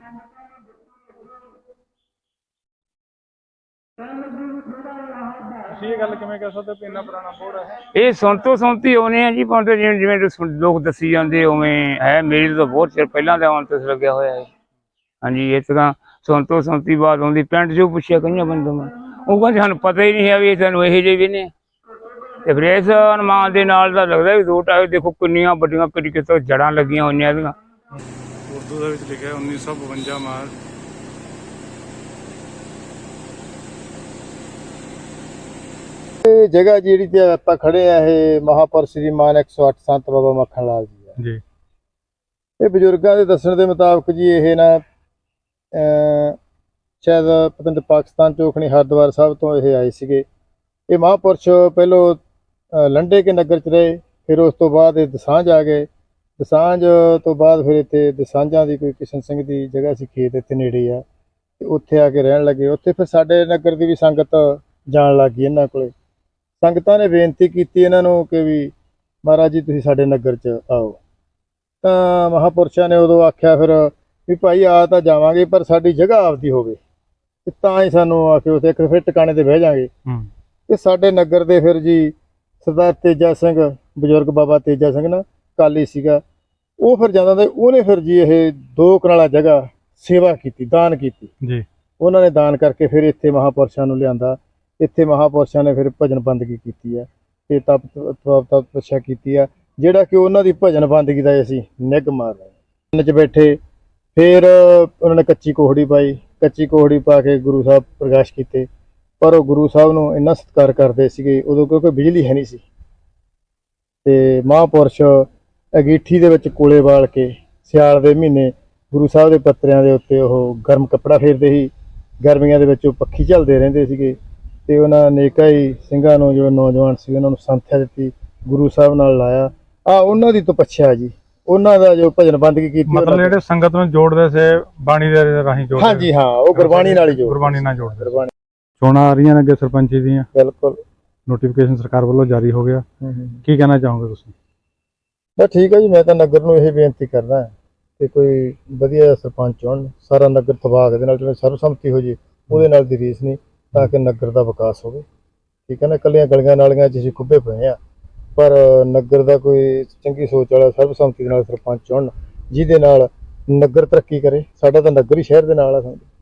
[SPEAKER 1] ਤੁਸੀਂ ਇਹ ਗੱਲ ਕਿਵੇਂ ਕਹਿ ਸਕਦੇ ਹੋ ਕਿ ਇੰਨਾ ਪੁਰਾਣਾ ਬੋਰਡ ਹੈ?
[SPEAKER 10] ਇਹ ਸੁਣਤੀ ਹੋਣੇ ਆ ਜੀ, ਪਰ ਜਿਵੇਂ ਜਿਵੇਂ ਲੋਕ ਦੱਸੀ ਜਾਂਦੇ ਉਵੇਂ ਹੈ। ਮੇਰੀ ਤਾਂ ਬਹੁਤ ਚਿਰ ਪਹਿਲਾਂ ਦਾ ਹੁਣ ਤੱਕ ਲੱਗਿਆ ਹੋਇਆ ਹੈ। ਹਾਂਜੀ ਇਹ ਤਾਂ ਸੁਣਤੀ ਬਾਤ ਆਉਂਦੀ, ਪਿੰਡ 'ਚੋਂ ਪੁੱਛਿਆ ਕਈਆਂ ਬੰਦੇ ਮੈਂ, ਉਹ ਕਹਿੰਦੇ ਸਾਨੂੰ ਪਤਾ ਹੀ ਨਹੀਂ ਹੈ ਵੀ ਸਾਨੂੰ ਇਹੋ ਜਿਹੇ ਵੀ ਨੇ। ਤੇ ਫਿਰ ਇਸ ਅਨੁਮਾਨ ਦੇ ਨਾਲ ਤਾਂ ਲੱਗਦਾ ਵੀ 2-2.5 ਦੇਖੋ ਕਿੰਨੀਆਂ ਵੱਡੀਆਂ ਕਿਤੇ ਜੜ੍ਹਾਂ ਲੱਗੀਆਂ ਹੋਈਆਂ ਇਹਦੀਆਂ।
[SPEAKER 1] ਉਰਦੂ ਦੇ ਵਿੱਚ ਲਿਖਿਆ 1952 ਮਾਰਚ।
[SPEAKER 2] ਇਹ ਜਗ੍ਹਾ ਜਿਹੜੀ ਤੇ ਆਪਾਂ ਖੜੇ ਆ, ਇਹ ਮਹਾਪੁਰਸ਼ ਸ੍ਰੀ ਮਾਨ 108 ਸੰਤ ਬਾਬਾ ਮੱਖਣ ਲਾਲ ਜੀ ਆ
[SPEAKER 1] ਜੀ।
[SPEAKER 2] ਇਹ ਬਜ਼ੁਰਗਾਂ ਦੇ ਦੱਸਣ ਦੇ ਮੁਤਾਬਕ ਜੀ ਇਹ ਨਾ ਸ਼ਾਇਦ ਪਤਾ ਨਹੀਂ ਪਾਕਿਸਤਾਨ ਚੋਂ ਖਣੀ ਹਰਿਦੁਆਰ ਸਾਹਿਬ ਤੋਂ ਇਹ ਆਏ ਸੀਗੇ। ਇਹ ਮਹਾਪੁਰਸ਼ ਪਹਿਲੋਂ ਲੰਡੇ ਕੇ ਨਗਰ 'ਚ ਰਹੇ, ਫਿਰ ਉਸ ਤੋਂ ਬਾਅਦ ਇਹ ਦਸਾਂਝ ਆ ਗਏ। ਦਸਾਂਝ ਤੋਂ ਬਾਅਦ ਫਿਰ ਇੱਥੇ ਦਸਾਂਝਾਂ ਦੀ ਕੋਈ ਕਿਸ਼ਨ ਸਿੰਘ ਦੀ ਜਗ੍ਹਾ ਸੀ, ਖੇਤ ਇੱਥੇ ਨੇੜੇ ਆ, ਤੇ ਉੱਥੇ ਆ ਕੇ ਰਹਿਣ ਲੱਗੇ। ਉੱਥੇ ਫਿਰ ਸਾਡੇ ਨਗਰ ਦੀ ਵੀ ਸੰਗਤ ਜਾਣ ਲੱਗ ਗਈ ਇਹਨਾਂ ਕੋਲੇ। ਸੰਗਤਾਂ ਨੇ ਬੇਨਤੀ ਕੀਤੀ ਇਹਨਾਂ ਨੂੰ ਕਿ ਵੀ ਮਹਾਰਾਜ ਜੀ ਤੁਸੀਂ ਸਾਡੇ ਨਗਰ 'ਚ ਆਓ। ਤਾਂ ਮਹਾਪੁਰਸ਼ਾਂ ਨੇ ਉਦੋਂ ਆਖਿਆ ਫਿਰ ਵੀ ਭਾਈ ਆ ਤਾਂ ਜਾਵਾਂਗੇ, ਪਰ ਸਾਡੀ ਜਗ੍ਹਾ ਆਪਦੀ ਹੋਵੇ, ਤੇ ਤਾਂ ਹੀ ਸਾਨੂੰ ਆ ਕੇ ਉੱਥੇ ਇੱਕ ਫਿਰ ਟਿਕਾਣੇ ਤੇ ਬਹਿ ਜਾਵਾਂਗੇ। ਤੇ ਸਾਡੇ ਨਗਰ ਦੇ ਫਿਰ ਜੀ ਸਰਦਾਰ ਤੇਜਾ ਸਿੰਘ, ਬਜ਼ੁਰਗ ਬਾਬਾ ਤੇਜਾ ਸਿੰਘ ਨਾ ਕਾਲੀ ਸੀਗਾ, ਉਹ ਫਿਰ ਜਾਂਦਾ ਤੇ ਉਹਨੇ ਫਿਰ ਜੀ ਇਹ 2 ਕਨਾਲਾ ਜਗ੍ਹਾ ਸੇਵਾ ਕੀਤੀ, ਦਾਨ ਕੀਤੀ
[SPEAKER 1] ਜੀ।
[SPEAKER 2] ਉਹਨਾਂ ਨੇ ਦਾਨ ਕਰਕੇ ਫਿਰ ਇੱਥੇ ਮਹਾਪੁਰਸ਼ਾਂ ਨੂੰ ਲਿਆਂਦਾ। ਇੱਥੇ ਮਹਾਪੁਰਸ਼ਾਂ ਨੇ ਫਿਰ ਭਜਨ ਬੰਦਗੀ ਕੀਤੀ ਆ ਤੇ ਤਪੱਸਿਆ ਕੀਤੀ ਆ, ਜਿਹੜਾ ਕਿ ਉਹਨਾਂ ਦੀ ਭਜਨ ਬੰਦਗੀ ਦਾ ਅਸੀਂ ਨਿੱਘ ਮਾਰ ਰਹੇ। 'ਚ ਬੈਠੇ ਫਿਰ ਉਹਨਾਂ ਨੇ ਕੱਚੀ ਕੋਹੜੀ ਪਾਈ, ਕੱਚੀ ਕੋਹੜੀ ਪਾ ਕੇ ਗੁਰੂ ਸਾਹਿਬ ਪ੍ਰਕਾਸ਼ ਕੀਤੇ। ਪਰ ਉਹ ਗੁਰੂ ਸਾਹਿਬ ਨੂੰ ਇੰਨਾ ਸਤਿਕਾਰ ਕਰਦੇ ਸੀਗੇ ਉਦੋਂ, ਕਿਉਂਕਿ ਬਿਜਲੀ ਹੈ ਨਹੀਂ ਸੀ। ਤੇ ਮਹਾਪੁਰਸ਼ ਅੰਗੀਠੀ ਦੇ ਵਿੱਚ ਕੋਲੇ ਬਾਲ ਕੇ ਸਿਆਲ ਦੇ ਮਹੀਨੇ ਗੁਰੂ ਸਾਹਿਬ ਦੇ ਪੱਤਰਿਆਂ ਦੇ ਉੱਤੇ ਉਹ ਗਰਮ ਕੱਪੜਾ ਫੇਰਦੇ ਸੀ। ਗਰਮੀਆਂ ਦੇ ਵਿੱਚ ਉਹ ਪੱਖੀ ਝੱਲਦੇ ਰਹਿੰਦੇ ਸੀਗੇ। ਤੇ ਉਹਨਾਂ ਅਨੇਕਾਂ ਹੀ ਸਿੰਘਾਂ ਨੂੰ, ਜੋ ਨੌਜਵਾਨ ਸੀ, ਉਹਨਾਂ ਨੂੰ ਸੰਥਿਆ ਦਿੱਤੀ, ਗੁਰੂ ਸਾਹਿਬ ਨਾਲ ਲਾਇਆ। ਉਹਨਾਂ ਦੀ ਤਪੱਸਿਆ ਜੀ, ਉਹਨਾਂ ਦਾ ਜੋ ਭਜਨ ਬੰਦਗੀ ਕੀਤੀ,
[SPEAKER 1] ਮਤਲਬ ਜਿਹੜੇ ਸੰਗਤ ਨੂੰ ਜੋੜਦੇ ਸੀ ਬਾਣੀ ਦੇ ਰਾਹੀਂ ਜੋੜਦੇ।
[SPEAKER 2] ਹਾਂਜੀ ਹਾਂ, ਉਹ ਗੁਰਬਾਣੀ ਨਾਲ ਹੀ
[SPEAKER 1] ਗੁਰਬਾਣੀ ਨਾਲ ਜੋੜਦੇ।
[SPEAKER 2] ਗੁਰਬਾਣੀ।
[SPEAKER 1] ਚੋਣਾਂ ਆ ਰਹੀਆਂ ਨੇ ਅੱਗੇ ਸਰਪੰਚੀ ਦੀਆਂ,
[SPEAKER 2] ਬਿਲਕੁਲ
[SPEAKER 1] ਨੋਟੀਫਿਕੇਸ਼ਨ ਸਰਕਾਰ ਵੱਲੋਂ ਜਾਰੀ ਹੋ ਗਿਆ। ਕੀ ਕਹਿਣਾ ਚਾਹੋਗੇ ਤੁਸੀਂ?
[SPEAKER 2] ਬਸ ਠੀਕ ਹੈ ਜੀ, ਮੈਂ ਤਾਂ ਨਗਰ ਨੂੰ ਇਹ ਬੇਨਤੀ ਕਰਦਾ ਕਿ ਕੋਈ ਵਧੀਆ ਸਰਪੰਚ ਚੁਣਨ, ਸਾਰਾ ਨਗਰ ਤਬਾਕ ਦੇ ਨਾਲ ਜਿਵੇਂ ਸਰਬਸੰਮਤੀ ਹੋ ਜੇ, ਉਹਦੇ ਨਾਲ ਦੀ ਰੀਸ ਨਹੀਂ, ਤਾਂ ਕਿ ਨਗਰ ਦਾ ਵਿਕਾਸ ਹੋਵੇ। ਠੀਕ ਹੈ ਨਾ, ਇਕੱਲੀਆਂ ਗਲੀਆਂ ਨਾਲੀਆਂ 'ਚ ਅਸੀਂ ਖੁੱਬੇ ਪਏ ਆ, ਪਰ ਨਗਰ ਦਾ ਕੋਈ ਚੰਗੀ ਸੋਚ ਵਾਲਾ ਸਰਬਸੰਮਤੀ ਦੇ ਨਾਲ ਸਰਪੰਚ ਚੁਣਨ, ਜਿਹਦੇ ਨਾਲ ਨਗਰ ਤਰੱਕੀ ਕਰੇ। ਸਾਡਾ ਤਾਂ ਨਗਰ ਹੀ ਸ਼ਹਿਰ ਦੇ ਨਾਲ ਆ।